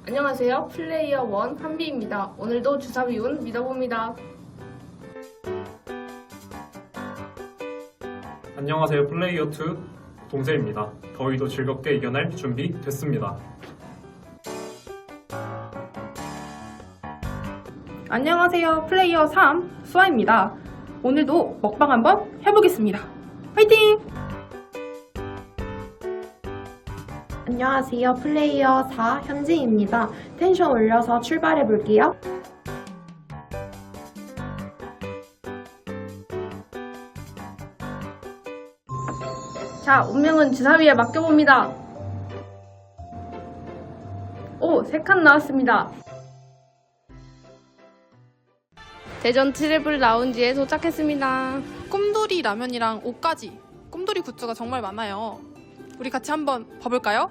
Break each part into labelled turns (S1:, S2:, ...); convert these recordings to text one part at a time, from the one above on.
S1: 안녕하세요. 플레이어 원 한비입니다. 오늘도 주사위 운 믿어봅니다.
S2: 안녕하세요. 플레이어 2 동세입니다. 더위도 즐겁게 이겨낼 준비 됐습니다.
S3: 안녕하세요. 플레이어 3 수아입니다. 오늘도 먹방 한번 해보겠습니다. 화이팅!
S4: 안녕하세요. 플레이어 4 현지입니다. 텐션 올려서 출발해 볼게요.
S1: 자, 운명은 주사위에 맡겨봅니다. 오, 3칸 나왔습니다. 대전 트래블 라운지에 도착했습니다.
S5: 꿈돌이 라면이랑 옷까지 꿈돌이 굿즈가 정말 많아요. 우리 같이 한번 봐볼까요?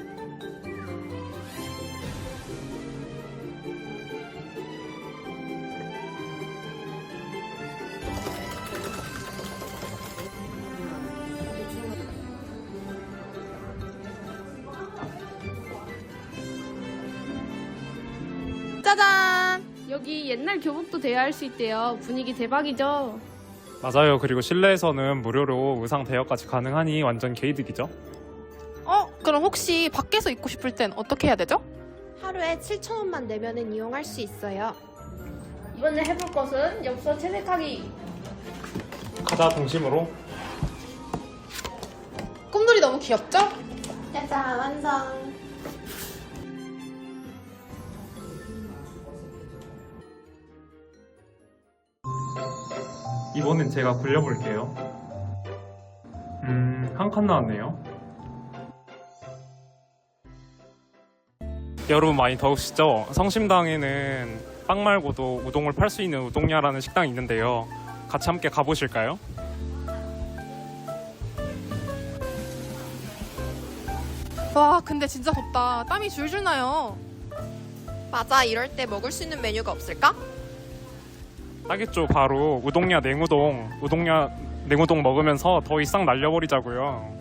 S5: 짜잔!
S1: 여기 옛날 교복도 대여할 수 있대요. 분위기 대박이죠?
S2: 맞아요. 그리고 실내에서는 무료로 의상 대여까지 가능하니 완전 개이득이죠.
S5: 그럼 혹시 밖에서 입고 싶을 땐 어떻게 해야 되죠?
S4: 하루에 7,000원만 내면은 이용할 수 있어요.
S1: 이번에 해볼 것은 엽서 채색하기.
S2: 가자 동심으로.
S5: 꿈돌이 너무 귀엽죠?
S4: 짜잔, 완성!
S2: 이번엔 제가 굴려볼게요. 한 칸 나왔네요. 여러분 많이 더우시죠? 성심당에는 빵 말고도 우동을 팔 수 있는 우동야라는 식당이 있는데요. 같이 함께 가보실까요?
S5: 와, 근데 진짜 덥다. 땀이 줄줄 나요.
S6: 맞아, 이럴 때 먹을 수 있는 메뉴가 없을까?
S2: 딱있죠. 바로 우동야 냉우동. 우동야 냉우동 먹으면서 더위 싹 날려버리자고요.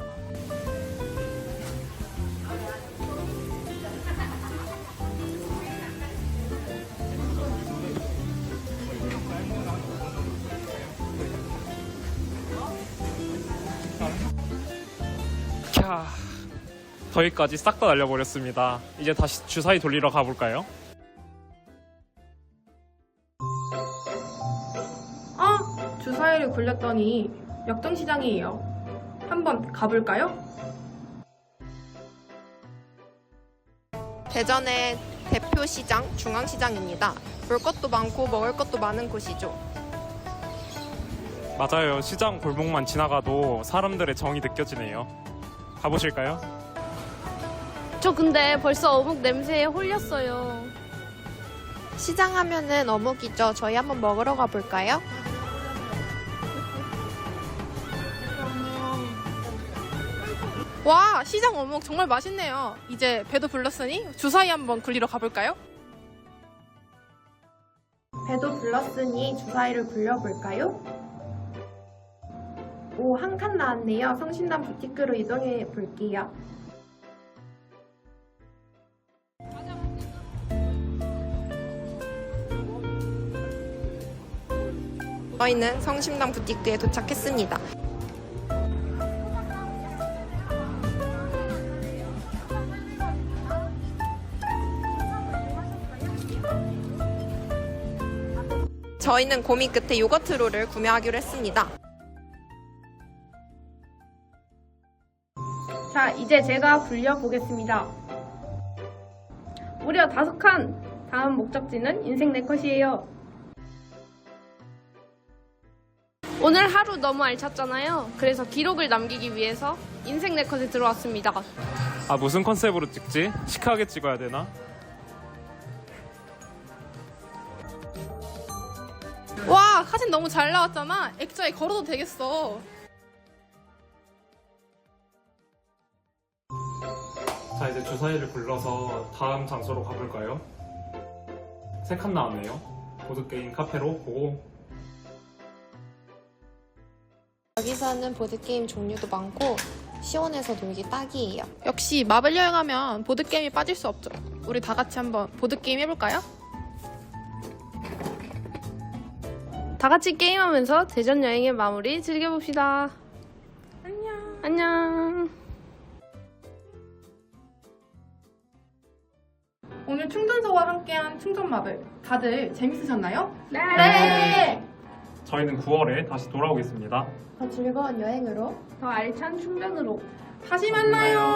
S2: 캬, 더위까지 싹 다 날려버렸습니다. 이제 다시 주사위 돌리러 가볼까요?
S3: 주사위를 굴렸더니 역전시장이에요. 한번 가볼까요?
S6: 대전의 대표 시장, 중앙시장입니다. 볼 것도 많고 먹을 것도 많은 곳이죠.
S2: 맞아요. 시장 골목만 지나가도 사람들의 정이 느껴지네요. 가보실까요?
S1: 저 근데 벌써 어묵 냄새에 홀렸어요.
S6: 시장 하면은 어묵이죠. 저희 한번 먹으러 가볼까요?
S5: 와, 시장 어묵 정말 맛있네요. 이제 배도 불렀으니 주사위 한번 굴리러 가볼까요?
S4: 배도 불렀으니 주사위를 굴려볼까요? 오, 한 칸 나왔네요. 성신당 부티크로 이동해 볼게요.
S6: 저희는 성심당 부티크에 도착했습니다. 저희는 고민 끝에 요거트롤을 구매하기로 했습니다.
S1: 자, 이제 제가 굴려보겠습니다. 무려 5칸! 다음 목적지는 인생 네컷이에요. 오늘 하루 너무 알찼잖아요. 그래서 기록을 남기기 위해서 인생 네컷에 들어왔습니다.
S2: 아, 무슨 컨셉으로 찍지? 시크하게 찍어야 되나?
S5: 와, 사진 너무 잘 나왔잖아. 액자에 걸어도 되겠어.
S2: 자, 이제 주사위를 굴러서 다음 장소로 가볼까요? 3칸 나왔네요. 보드게임 카페로 고고.
S6: 여기서는 보드게임 종류도 많고 시원해서 놀기 딱이에요.
S5: 역시 마블 여행하면 보드게임이 빠질 수 없죠. 우리 다 같이 한번 보드게임 해볼까요?
S1: 다 같이 게임하면서 대전 여행의 마무리 즐겨봅시다. 안녕. 안녕.
S3: 오늘 충전소와 함께한 충전마블 다들 재밌으셨나요?
S4: 네.
S2: 저희는 9월에 다시 돌아오겠습니다.
S4: 더 즐거운 여행으로
S1: 더 알찬 충전으로.
S3: 다시 만나요.